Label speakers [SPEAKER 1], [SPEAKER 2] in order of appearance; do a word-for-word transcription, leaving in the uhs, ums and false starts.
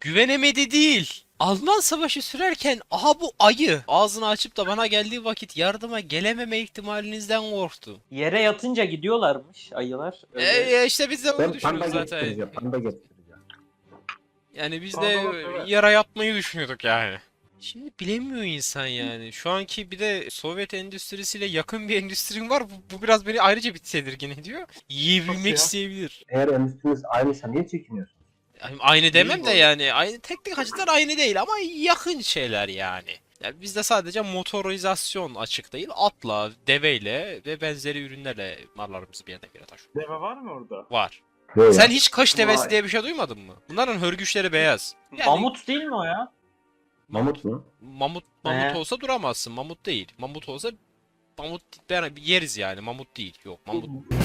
[SPEAKER 1] Güvenemedi değil. Alman savaşı sürerken aha bu ayı ağzını açıp da bana geldiği vakit yardıma gelememe ihtimalinizden korktu.
[SPEAKER 2] Yere yatınca gidiyorlarmış ayılar.
[SPEAKER 1] E
[SPEAKER 2] Öyle.
[SPEAKER 1] ya işte biz de onu
[SPEAKER 3] Ben panda
[SPEAKER 1] düşünüyoruz zaten.
[SPEAKER 3] getireceğim. Panda getireceğim.
[SPEAKER 1] Yani biz
[SPEAKER 4] Panda
[SPEAKER 1] de
[SPEAKER 4] bak, evet.
[SPEAKER 1] yara yatmayı düşünüyorduk yani. Şimdi bilemiyor insan yani. Şu anki bir de Sovyet endüstrisiyle yakın bir endüstrin var. Bu, bu biraz beni ayrıca bir tedirgin ediyor. Yiyebilmek
[SPEAKER 4] Nasıl ya?
[SPEAKER 1] isteyebilir.
[SPEAKER 3] Eğer endüstriniz aynıysa niye çekiniyorsunuz?
[SPEAKER 1] Yani aynı demem
[SPEAKER 4] Değil
[SPEAKER 1] de
[SPEAKER 4] bu.
[SPEAKER 1] yani. Aynı teknik açıdan aynı değil ama yakın şeyler yani. Yani bizde sadece motorizasyon açık değil. Atla, deveyle ve benzeri ürünlerle mallarımızı bir yerden bir yere taşıyoruz.
[SPEAKER 4] Deve var mı orada?
[SPEAKER 1] Var.
[SPEAKER 3] Yok
[SPEAKER 1] Sen
[SPEAKER 3] ya.
[SPEAKER 1] hiç kış devesi
[SPEAKER 2] Vay.
[SPEAKER 1] diye bir şey duymadın mı? Bunların hörgüçleri beyaz. Yani
[SPEAKER 2] Mamut değil mi o ya?
[SPEAKER 3] Mamut mu?
[SPEAKER 1] Mamut mamut
[SPEAKER 2] He.
[SPEAKER 1] olsa duramazsın. Mamut değil. Mamut olsa mamut ben yeriz yani. Mamut değil. Yok mamut.